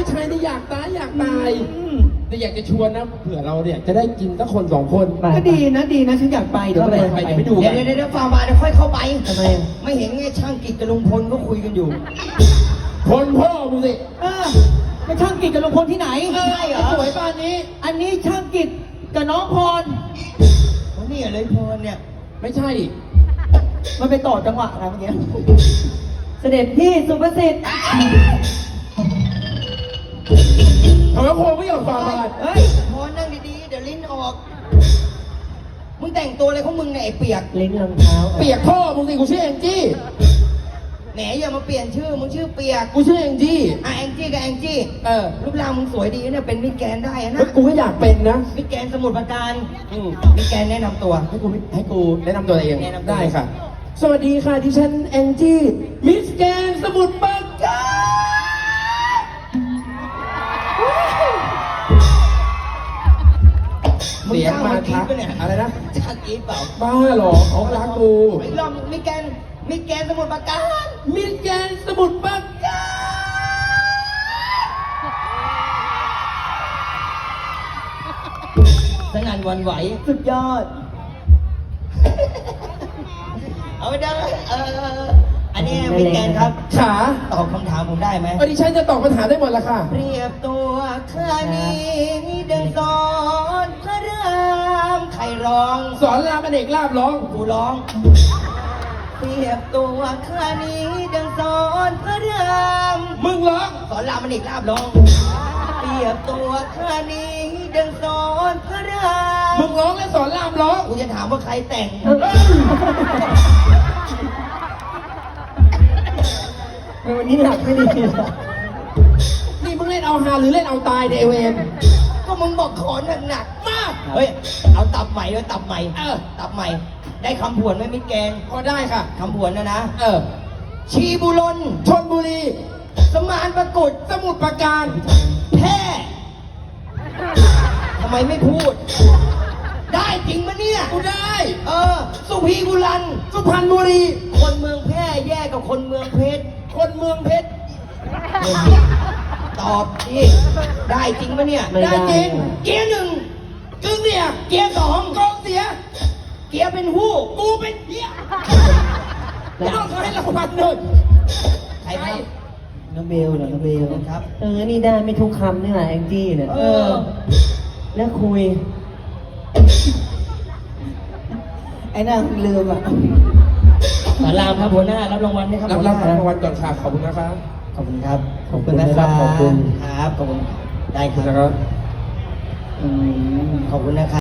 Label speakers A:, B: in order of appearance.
A: ผู้ชายที่อยากตายแต่อยากจะชวนนะเผื่อเราเนี่ยจะได้กินสักคนสองคน
B: ก็ดีนะฉันอยากไปเดี๋ยว
A: ไปดู
C: เดี๋ยวฝ่าบาทเดี๋ยวค่อยเข้าไป
B: ทำไม
C: ไม่เห็นไงช่างกิจกับลุงพลก็คุยกันอยู่
A: คนพ่อมึงสิ
B: ไม่ช่างกิจกับลุงพลที่ไหน
C: ใช่เหรอ
A: สวยป่านนี้
B: อันนี้ช่างกิจกับน้องพร
C: วันนี้เลยพลเนี่ย
A: ไม่ใช่
B: มันไปต่อจังหวะอะไรเมื่อกี้เสด็จพี่สุภสิทธิ์
A: ทำไมพ่อไม่ยอมฟังมา
C: เฮ้ยพลนั่งดีๆเดี๋ยวลิ้นออก มึงแต่งตัวอะไรของมึงเนี่ยไอ้เปียก
B: ลิ้นรองเท้า
A: เปียกพ่อมึงสิกูชื่อแองจี้
C: แหนอย่ามาเปลี่ยนชื่อมึงชื่อเปียก
A: กูชื่อแองจี้
C: แองจี้กับแองจี้
A: เออ
C: รูปร่างมึงสวยดีเนี่ยเป็นมิสแกรนด์ได้นะ
A: เฮ้ยกูก็อยากเป็นนะ
C: มิสแกรนด์สมุทรปราการ
A: อืม
C: มิสแกรนด์แนะนำตัว
A: ให้กูแนะนำตัวเอง
C: แนะนำตัว
A: ได้ค่ะ สวัสดีค่ะดิฉันแองจี้มิสแกนสมุทรปราการเสียงมาทักอะไรนะ
C: ช่างกีดเปล่า
A: บ้าเหรอเขารักกู
C: ไอ้ลองมิสแกรนด์สมุทรปราการ
A: มิสแกนสมุทรปราการ
C: สนั่นหวันไหว
B: สุดยอด
C: เอาไปได้อันนี้มิสแกรนด์ครับ
A: ขา
C: ตอบคำถามผมได้ไหม
A: ดิฉันจะตอบปัญหาได้หมดละค่ะ
C: เปรียบตัวข้านี้ดังสอนพระรามใครร้อง
A: สอนรามอเนกลาบร้อง
C: กูร้อง เปรียบตัวข้านี้ดังสอนพระราม
A: มึงร้อง
C: สอนรามมันอีกลาบร้อง เปรียบตัวข้านี้ดังสอนพระราม
A: มึงร้องและสอนรามร้อง
C: กูจะถามว่าใครแต่ง
B: วันนี้หนักไม่ดี
A: นี่มึงเล่นเอาฮาหรือเล่นเอาตายเดเวน
C: ก็มึงบอกขอหนักๆมาก เฮ้ย เอาตับใหม่ด้วยตับใหม่ ตับใหม่ ได้คำผวนไหมมิตรแกง
A: ก็ได้ค่ะ
C: คำผวนนะ ชีบุรน
A: ชนบุรี
C: สมานประกุฎ
A: สมุทรปราการ
C: แพร่ทำไมไม่พูด ได้จริงมะเนี่ย
A: กูได้
C: สุพีบุรัน
A: สุพรรณบุรี
C: คนเมืองแพร่แย่กับคนเมืองเพชร
A: คนเมืองเพชร
C: ตอบดิได้จริงปะเนี่ย
A: ได้จริง
C: เกียร์หนึ่ง
A: กึ่งเนี่ย
C: เกียร์สอง
A: กองเสีย
C: เกียร์เป็นหู้
A: กูเป็นเหี้ยแล้วเขาให้รางวัลหนึ่ง
C: ใครครับ
B: น้องเบลเหรอน้องเบล
C: ครับ
B: นี่ได้ไม่ทุกคำนี่แหละแองจี้เนี่ยแล้วคุย ไอ้นั่นลืมอ่ะ
C: สารามครับหัวหน้ารับรางวัลนะครับ
A: รับ
C: หัวหน้าร
A: างวัลก่อนค่ะขอบคุณนะคะ
C: ขอบคุณครับ
B: ขอบคุณนะครับขอบคุณ
C: ครับขอบคุณได้ค
A: นะค
C: รั
A: รั
C: บบ ขอบคุณนะครับ